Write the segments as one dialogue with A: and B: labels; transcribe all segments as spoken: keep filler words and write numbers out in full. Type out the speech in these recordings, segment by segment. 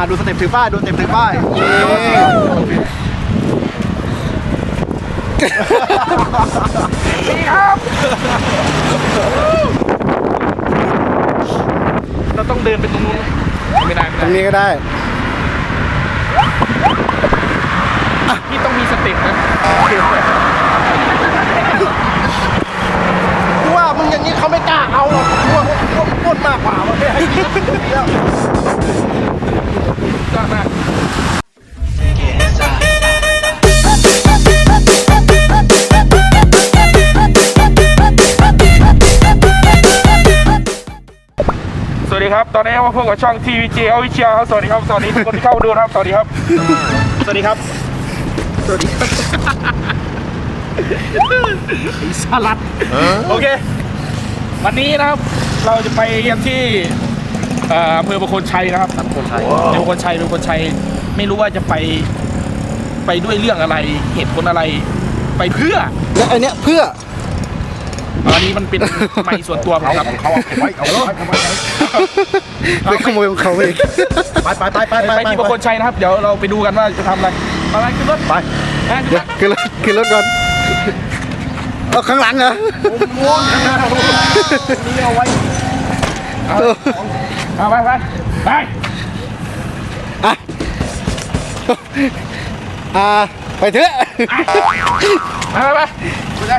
A: ดูสเต็ปถือป้ายดูสเต็ปถือป้าย
B: นี่ครับเราต้องเดินไปตรงนู้นไม่ได้ไม่ได้
A: ตรงนี้ก็ได้
B: พี่ต้องมีสเต็ปนะ
A: กูว่ามึงอย่างนี้เขาไม่กล้าเอาหรอกกูว่าพวกพูดมากกว่ามันไม่ให้กินแล้ว
B: ยอดมากสวัสดีครับตอนนี้มาพบกับช่อง ที วี เจ Official ครับสวัสดีครับสวัสดีทุกคนที่เข้ามาดูนะครับสวัสดีครับสวัสดีครับสวัสดีครับไอ้สลัดโอเควันนี้นะครับเราจะไปเยี่ยมที่อำเภอประโคนชัยนะครับประโคนชัยประโคนชัยประโคนชัยไม่รู้ว่าจะไปไปด้วยเรื่องอะไรเหตุผลอะไรไปเพื่อ
A: แล้วไอเนี้ยเพื่อ
B: อันนี้มันเป็นไม้ส่วนตัวของเขาเอาไว้เอาไว้เอาไว้
A: ไปขโมยของเขาเองไปไปไปไป
B: ไปที่ประโคนชัยนะครับเดี๋ยวเราไปดูกันว่าจะทำอะไรอะไรขึ้นรถ
A: ไปขึ้นรถขึ้นรถก่อนเอาข้างหลังเหรอม้วนข้างหน้านี่เอาไว้
B: เอาไปไปไป
A: อ่ะอ่าไปเถอะ
B: ไปไปไปไป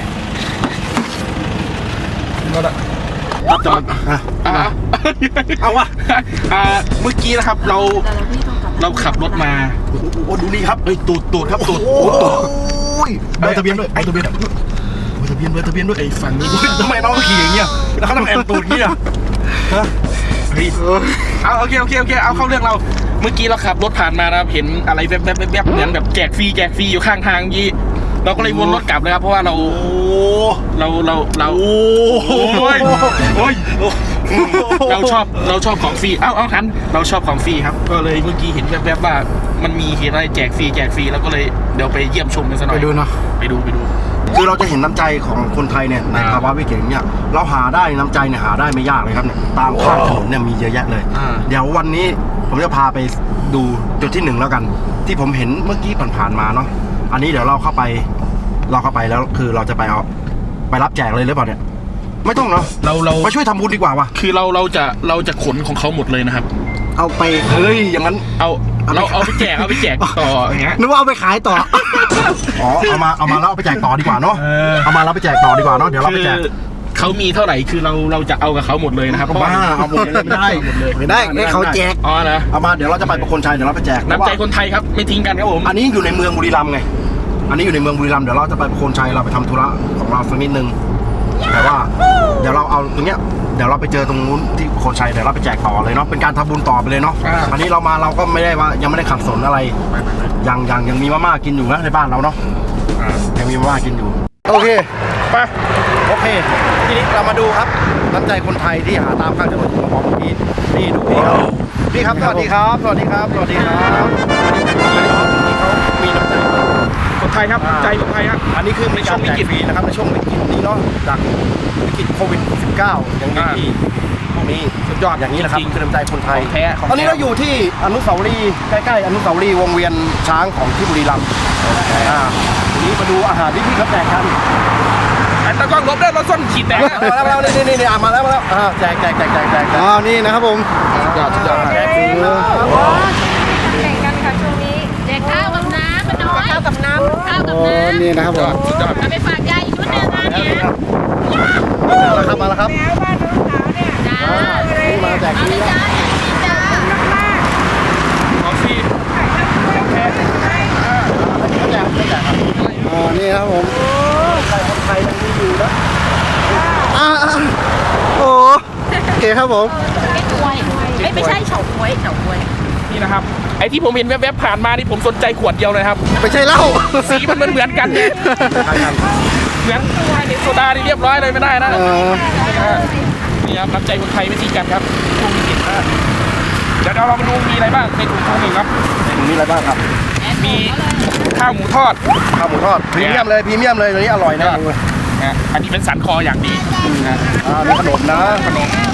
A: รับจอดอ่ะเอาวะ
B: เมื่อกี้นะครับเราเราขับรถมา
A: โอ้ดูนี่ครับเฮ้ยตูดตูดครับตูดโอ้ตูดเบอร์ทะเบียนด้วยเบอร์ทะเบียนเบอร์ทะเบียนเบอร์ทะเบียนด้วยไอ้ฝั่งนี้ทำไมน้องขี่อย่างเงี้ยแล้วเขาทำแอนตูดเงี้ยฮะ
B: เอาโอเคโอเคโอเคเอาเข้าเรื่องเราเมื่อกี้เราขับรถผ่านมานะครับเห็นอะไรแวบๆแวบๆเหมือนแบบแจกฟรีแจกฟรีอยู่ข้างทางยี่เราก็เลยวนรถกลับเลยครับเพราะว่าเราเราเราเราโอ้ยโอ้ยเราชอบเราชอบของฟรีเอ้าเอ้าทันเราชอบของฟรีครับก็เลยเมื่อกี้เห็นแวบๆว่ามันมีเห็นอะไรแจกฟรีแจกฟรีแล้วก็เลยเดี๋ยวไปเยี่ยมชมกันสักหน่อย
A: ไปดูเนาะ
B: ไปดูไปดู
A: คือเราจะเห็นน้ำใจของคนไทยเนี่ยในภาวะวิกฤตเนี่ยเราหาได้น้ำใจเนี่ยหาได้ไม่ยากเลยครับเนี่ยตามข้างถนนเนี่ยมีเยอะแยะเลยเดี๋ยววันนี้ผมจะพาไปดูจุดที่หนึ่งแล้วกันที่ผมเห็นเมื่อกี้ผ่านๆมาเนาะอันนี้เดี๋ยวเราเข้าไปเราเข้าไปแล้วคือเราจะไปเอาไปรับแจกเลยหรือเปล่าเนี่ยไม่ต้องเนาะ
B: เราเรา
A: ไปช่วยทำบุญดีกว่าวะ
B: คือเราเราจะเราจะขนของเขาหมดเลยนะครับ
A: เอาไปเฮ้ยอย่างนั้น
B: เอาเราเอาไปแจกเอาไปแจกต่ออย่างเงี้ย
A: นึกว่าเอาไปขายต่ออ๋อเอามาเอามาแล้วเอาไปแจกต่อดีกว่าเนาะเอามาแล้วไปแจกต่อดีกว่าเนาะเดี๋ยวเราไปแจก
B: เขามีเท่าไหร่คือเราเราจะเอากับเขาหมดเลยนะครับ
A: บ้าเอาหมดเลยไม่ได้ไม่ได้ให้เขาแจก
B: อ๋อนะ
A: เอามาเดี๋ยวเราจะไปประโคนชัยเดี๋ยวเราไปแจก
B: น้ำใจคนไทยครับไม่ทิ้งกันครับผม
A: อันนี้อยู่ในเมืองบุรีรัมย์ไงอันนี้อยู่ในเมืองบุรีรัมย์เดี๋ยวเราจะไปประโคนชัยเราไปทำธุระของเราสักนิดนึงแต่ว่าเดี๋ยวเราเอาตรงเนี้ยเดี๋ยวเราไปเจอตรงนู้นที่ประโคนชัยเดี๋ยวเราไปแจกต่อเลยเนาะเป็นการทำบุญต่อไปเลยเนาะอันนี้เรามาเราก็ไม่ได้ว่ายังไม่ได้ขัดสนอะไรยังยังยังมีมาม่ากินอยู่นะในบ้านเราเนาะยังมีมาม่ากินอยู่โอเคไปโอเคทีนี้เรามาดูครับน้ำใจคนไทยที่หาตามข้างถนนของเมื่อกี้นี่ดูพี่เขาพี่ครับสวัสดีครับสวัสดีครับสวัสดีครับนี่เขามีน้ำใจ
B: คนไทยครับใจคนไทยครับ
A: อันนี้คือในช่วงวิกฤตนะครับในช่วงวิกฤตนี้เนาะจากวิกฤตโควิด สิบเก้า อย่างนี้พวกนี้สุดยอดอย่างนี้แหละครับคือน้ำใจคนไทยตอนนี้เราอยู่ที่อนุสาวรีย์ใกล้ๆอนุสาวรีย์วงเวียนช้างของที่บุรีรัมย์อ่าทีนี้มาดูอาหารที่พี่เขาแจกกัน
B: ไอ้ตะก้องลบได้รถส้นขีดแตก
A: มาแล้วมาแล้วนี่นี่นี่มาแล้วมาแล้วแจกแจกแจกแจกแจกอ๋อนี่นะครับผม
B: ยอดยอด
C: แจกฟรีเลยแข่งกันค่ะช่วงนี้แจกข้าวกับน้ำมันน้อยข้าวกับน้ำข้าวกับน้ำ
A: นี่นะครับผม
C: เอาไปฝากยายอีกชุดหนึ่งนะเนี่ย
A: มาแล้วครับมาแล้วครับ
C: แล้วบ้านน้องสาวเนี่ยจ้า
A: มาแจกฟรี
C: จ้าจ้า
B: ของฟรี
A: แจกแจกครับอ๋อนี่ครับผมใครคนไทยยังมีอยู่นะอ่าโอ้โอเคครับผม
C: ไอ้กล้วยไม่ใช่เฉาก๊วยเฉาก๊วย
B: นี่นะครับไอ้ที่ผมเห็นแวบๆผ่านมานี่ผมสนใจขวดเดียวเลยครับ
A: ไม่ใช่เหล้า
B: สีมันเหมือนกันเนี่ยเหมือนโซดาที่เรียบร้อยเลยไม่ได้นะนี่ครับน้ำใจคนไทยไม่ทิ้งกันครับช่วงวิกฤตนะเดี๋ยวเรามาดูมีอะไรบ้างในถุงทองหนึ่งครับ
A: ในถุงนี้อะไรบ้างครับ
B: มีข้าวหมูทอด
A: ข้าวหมูทอดพรีเมียมเลยพรีเมียมเลยตัวนี้อร่อยนะ
B: อันนี้เป็นสันคออย่างดี
A: อ่ามีขนมนะ
B: ขนม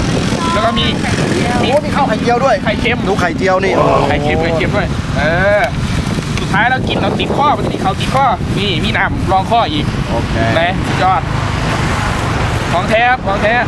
B: แล้วก็มี
A: โอ้มีข้าวไข่เจียวด้วย
B: ไข่เค็ม
A: ดูไข่เจียวนี่
B: ไข่เค็มไข่เค็มด้วยเออสุดท้ายเรากินเราติดข้อมันติดเขาติดข้อนี่มีน้ำรองข้ออีก
A: โอเค
B: นะสุดยอดของแท้ครับของแท้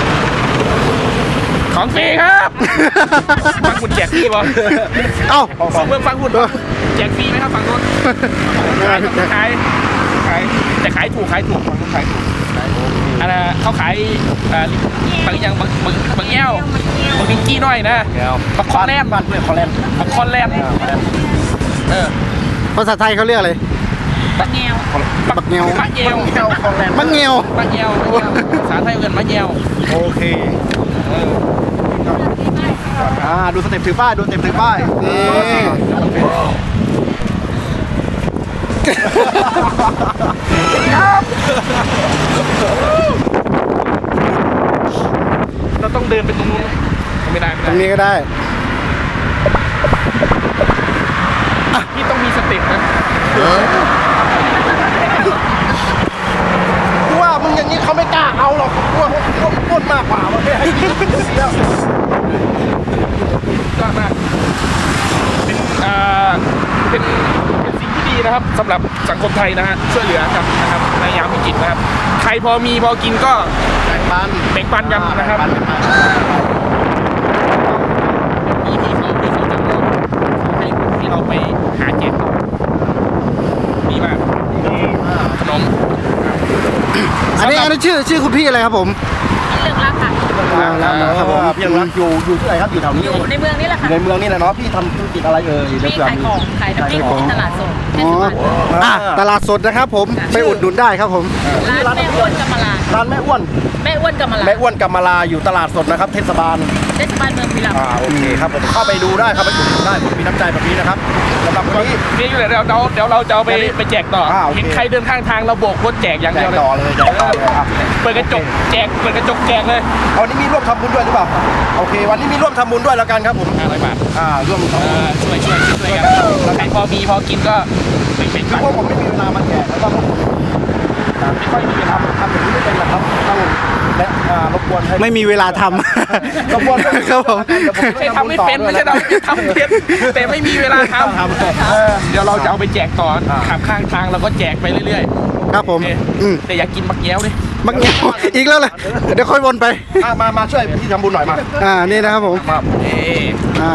B: ของฟรีครับฟังคุณแจกฟรีป่ะ
A: เอ้า
B: ฟังเมืองฟังคุณแจกฟรีไหมครับฝั่งนู้นขายขายขายแต่ขายถูกขายถูกฝั่งนู้นขายถูกอันนั้นเขาขายอ่าบางอย่างบางบางบางแง่วบางนิงกี้น้อยนะบักคอนแลนด์
A: บ้านเพื่อนคอนแลนด์
B: บักคอนแลนด์เออ
D: ภาษาไทยเขาเรียกอะไร
C: บักแงว
D: บักแงว
B: มะเยว
A: แก้วคอนแลนด์
D: บักแงว
B: มะเยวภาษาไทยเกินมะเยว
A: โอเค
B: เออ
A: อ่าดูสเต็ปถือป้ายดูสเต็ปถือป้ายนี่
B: เราต้องเดินไปตรงนู้นไม่ได้ไม่
D: ตร
B: ได้
D: งนี้ก็ได้
B: พี่ต้องมีสเต็ปนะ
A: กูว่ามึงอย่างนี้เขาไม่กล้าเอาหรอกกูว่าพวกพูดมากกว่าว่าให้กินแล้ว
B: ยอดมากเป็นอ่าเป็นเป็นสิ่งที่ดีนะครับสำหรับสังคมไทยนะฮะช่วยเหลือกันนะครับในยามวิกฤตนะครับใครพอมีพอกินก็
A: แบ่งปัน
B: แบ่งปันกันนะครับ
A: แบ่งปัน
B: มีที่เขาที่เขาจะมอบให้ที่เราไปหาแจกดีมากขนม
D: อันนี้อันนี้ชื่อชื่อคุณพี่อะไรครับผม
C: เรื่องรักค่ะ
D: แล้วนะครับผม
A: พี่ยังรักอยู่อยู่ที่ไหนครับอยู่แถวนี้
C: อยู่ในเมืองนี่แหละ
A: อ
C: ค่ะ
A: ยู่ในเมืองนี่แหละเนาะพี่ทำธุรกิจอะไรเอ่ยเดี๋ยว
C: พี่
A: เผื่อ
C: ขาย
A: มี
C: ของขายน้ำพริกที่ตลาดสดเท
D: อ๋
C: ศ
D: อบ
C: าล
D: อ่ะตลาดสดนะครับผมไปอุดหนุนได้ครับผม
C: ร้านแม่อ้วนกำมะลา
A: ร้านแม่อ้วน
C: แม่อ้วนกำมะลา
A: แม่อ้วนกำมะลาอยู่ตลาดสดนะครับเทศบาล
C: เทศบาลเมืองบุรีรัมย์
A: อ่าโอเคครับผมเข้าไปดูได้ครับไปอุดหนุนได้ผมมีน้ำใจแบบนี้นะครับสำหรับวันนี้
B: นี่อยู่เลยเดี๋ยวเราเดี๋ยวเราจะเอาไปไปแจกต่อ
A: อ่าโอเค
B: เห็นใครเดินข้างทางเราโบกรถแจกอย่าง
A: แจ
B: เดียว
A: ก
B: เลย
A: ต่อเลยแจกต่อเลยครับ
B: เปิดกระจกแจกเปิดกระจกแจกเลย
A: เอาวันนี้มีร่วมทำบุญด้วยหรือเปล่าโอเค วันนี้มีร่วมทำบุญด้วยแล้วกันครับผม
B: ห้าร้อยบาท
A: อ่าร่วมทำ
B: เอ
A: บุญ
B: อช่วยช่วยช่วยกันใครพอมีพอกินก็ไปเป็น
A: คือ
B: ไป
A: พวกผมไม่มีเวลามาแจกแล้วก็พวกผมไม่ค่อยมีเวลาทำอย่างนี้ไม่เป็นหรอกครับต้องและอ่ารบกวนให้
D: ไม่มีเวลาท
A: รบกวน
D: ำครับผม
B: ไม่ใช่ทำไม่เป็นไม่ใช่เราทำเป็นแต่ไม่มีเวลาท
A: ทำเออ
B: ำเดี๋ยวเราจะเอาไปแจกต่อขับข้างทางเราก็แจกไปเรื่อย
D: ครับผม
B: ๆโอเค
D: อืม
B: แต่อยากกินมักแย้วดิ
D: บักแงวอีกแล้วเลยเดี๋ยวค่อยวนไป
A: อ่ะมามาช่วยพี่ทำบุญหน่อยมา
D: อ่านี่นะครับผม
A: มา
B: เอ๊ะ
D: อ่า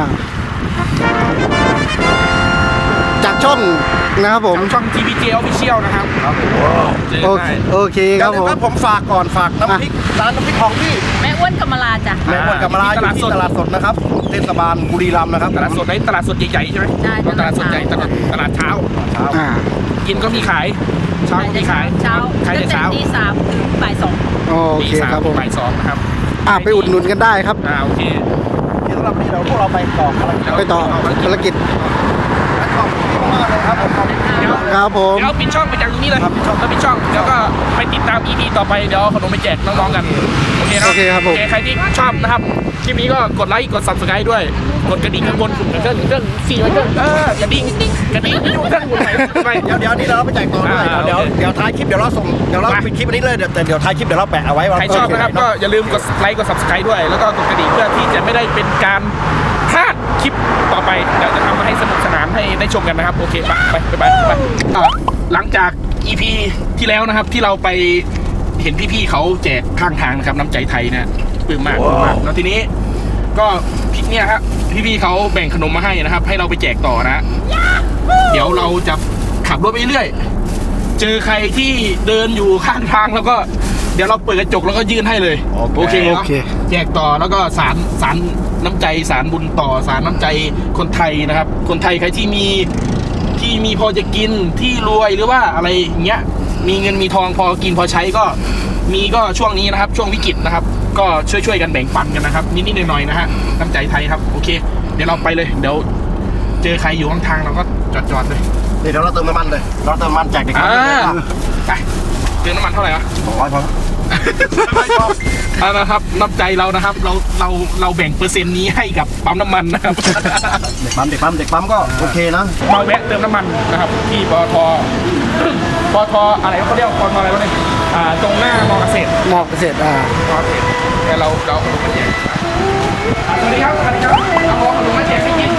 D: จากช่องนะครับผม
B: ทางช่อง ที พี เจ Official นะครับเจอ
D: โอ
B: ได้
D: เคโอเคค
A: เดี๋ย
D: รั
A: ว
D: บผม
A: นะครับผมฝากก่อนฝากน้ำพริกร้านน้ำพริกของพี่
C: แม่อ้วนกำมะลาจ้ะ
A: แม่อ้วนกำมะลาอยู่ที่ตลาดสดนะครับเทศบาลบุรีรัมย์นะครับ
B: ตลาดสดไหนตลาดสดใหญ่ๆใช่ไหม
C: ใช่
B: ตลาดสดใหญ่ตลาดตลาดเช้า
A: เช้า
D: อ่า
B: กินก็มีขายเช้าก็มีขาย
C: เช้า
B: ขาย
C: ตั้
B: แต่
C: งแต่
B: เช้า
C: ตีสามถึงบ่ายสอง
D: โอ
B: ตี
D: เค
B: สาม
D: ครับผม
B: บ่ายสองนะครับ
D: อ่าไปอุดหนุนกันได้ครับ
B: อ่าโอเค
A: ที่สำหรับวันนี้เราพวกเราไปต่อภารกิจ
D: ไปต่อภารกิจ
A: ขอบคุณมากเลยครับผมขอบคุณ
B: เดี๋ยว
D: ครับผม
B: เดี๋ยวปิดช่องไปจากตรงนี้เลย
A: ครับปิดช่อง
B: แล้วปิดช่องเดี๋ยวก็ไปติดตาม อี พี ต่อไปเดี๋ยวเอาขนมไปแจกน้องๆกันโอเคนะ
D: โอเคครับผม
B: โอเคใครที่ชอบนะครับคลิปนี้ก็กดไลค์กด Subscribe ด้วยกดกระดิ่งข้างบนกดเครื่องเครื่องสี่ไว้เครื่องเออกระดิ่งกระดิ่งไม่อยู่เครื่องหมุนไหนไป
A: เดี๋ยวเดี๋ยวนี้เราไปแจกต่อด้วย
B: อ่า
A: เดี๋ยว
B: โอเค
A: เดี๋ยวท้ายคลิปเดี๋ยวเราส่งเดี๋ยวเรา
B: ไป
A: ปิดคลิปอันนี้เลยเดี๋ยวแต่เดี๋ยวท้ายคลิปเดี๋ยวเราแปะเอาไว้ว่า
B: ใครชอบนะครับก็อย่าลืมกดไลค์กด Subscribe ด้วย แล้วก็กดกระดิ่งเพื่อที่จะไม่ได้เป็นการพลาดคลิปต่อไปเดี๋ยวจะทำมาให้สนุกสนานให้ได้ชมกันนะครับโอเคไปไปไปไปไปอ่ะหลังจาก อี พี ที่แล้วนะครับที่เราไปเห็นพี่ๆเขาแจกข้างทางนะครับน้ำใจไทยเนี่ยปลื้มมากปลื้มมากแล้วทีนี้ก็พี่เนี่ยครับพี่ๆเขาแบ่งขนมมาให้นะครับ ให้เราไปแจกต่อนะ เดี๋ยวเราจะขับรถไปเรื่อยเจอใครที่เดินอยู่ข้างทางแล้วก็เดี๋ยวเราเปิดกระจกแล้วก็ยื่นให้เลยโอเค
D: โอ
B: เนาะ
D: เค
B: แจกต่อแล้วก็สารสารน้ำใจสารบุญต่อสารน้ำใจคนไทยนะครับ คนไทยใครที่มีที่มีพอจะกินที่รวยหรือว่าอะไรอย่างเงี้ยมีเงินมีทองพอกินพอใช้ก็มีก็ช่วงนี้นะครับ ช่วงวิกฤตนะครับ ก็ช่วยๆกันแบ่งปันกันนะครับนิดๆหน่อยๆนะฮะน้ำใจไทยครับโอเค เดี๋ยวเราไปเลยเดี๋ยวเจอใครอยู่ข้างทางเราก็จอดๆเลย
A: เดี๋ยวเราเติมน้ำมันเลยเราเติมน้ำมันแจกเด็ก
B: อ่า
A: เลย
B: ไปเติมน้ำมันเท่าไหร่วะ
A: สองร้อยพอ
B: เอานะครับน้ำใจเรานะครับ เราเราเราแบ่งเปอร์เซ็นต์นี้ให้กับปั๊มน้ำมันนะครับ
A: เด็กปั๊มเด็กปั๊มเด็กปั๊มก็โอเคนะ
B: มาแวะเติมน้ำมันนะครับ ที่ปตทปตทอะไรเขาเรียกปตทอะไรวะเนี่ยอ่าตรงหน้ามอเกษตร
D: หมอกเกษตรอ่า
B: มอเกษตรแต่เราเราเอาไปแจกสวัสดีครับสวัสดีครับเอาของขนมมาแจกให้กิน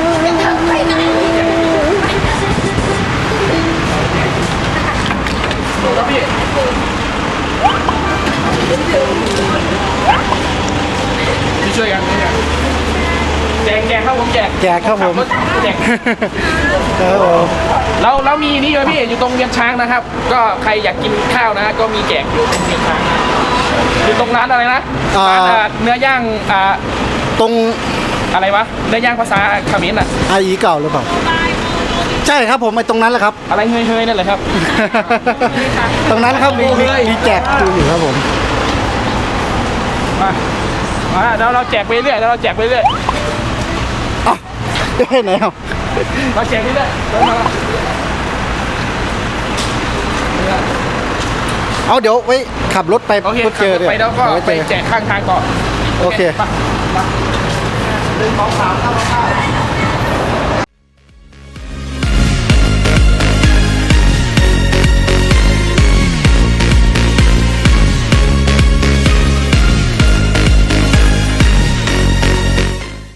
B: ดูครับพี่พี่ช่วยกันช่วยกันแจกแจกครับผมแจก
D: แจกครับผม
B: แจก
D: ครับผม
B: เราเรามีนี่เลยพี่อยู่ตรงเวียนช้างนะครับ ก็ใครอยากกินข้าวนะก็มีแจกอยู่ตรงเวียนช้างอยู่ตรงร้านอะไรนะร้านอ่าเนื้อย่างอ่า
D: ตรง
B: อะไรวะเนื้อย่างภาษาเขมรอ่ะ
D: ไออีเก่าหรือเปล่าใช่ครับผมไอตรงนั้นแหละครับ
B: อะไรเฮยเฮยนั่นแหละครับ
D: ตรงนั้นครับมีมีมีแจกอยู่ครับผม
B: มามาเราเราแจกไปเรื่อยเราแจกไปเรื่อย
D: เอ้าได้ไหนเอา
B: เราแจกไปเรื่อยเดินมา
D: เอาเดี๋ยวไว้ขับรถไป
B: โอเค
D: ก็
B: ขั
D: เจ
B: บ
D: อ
B: รถ
D: เดี๋ยว
B: ไปแล้วก็
D: เดี๋ยว
B: ไป
D: เจอ
B: แจกข้างทางต่อ
D: โอเค
B: มามาหนึ่งสองสามเข้าเข้า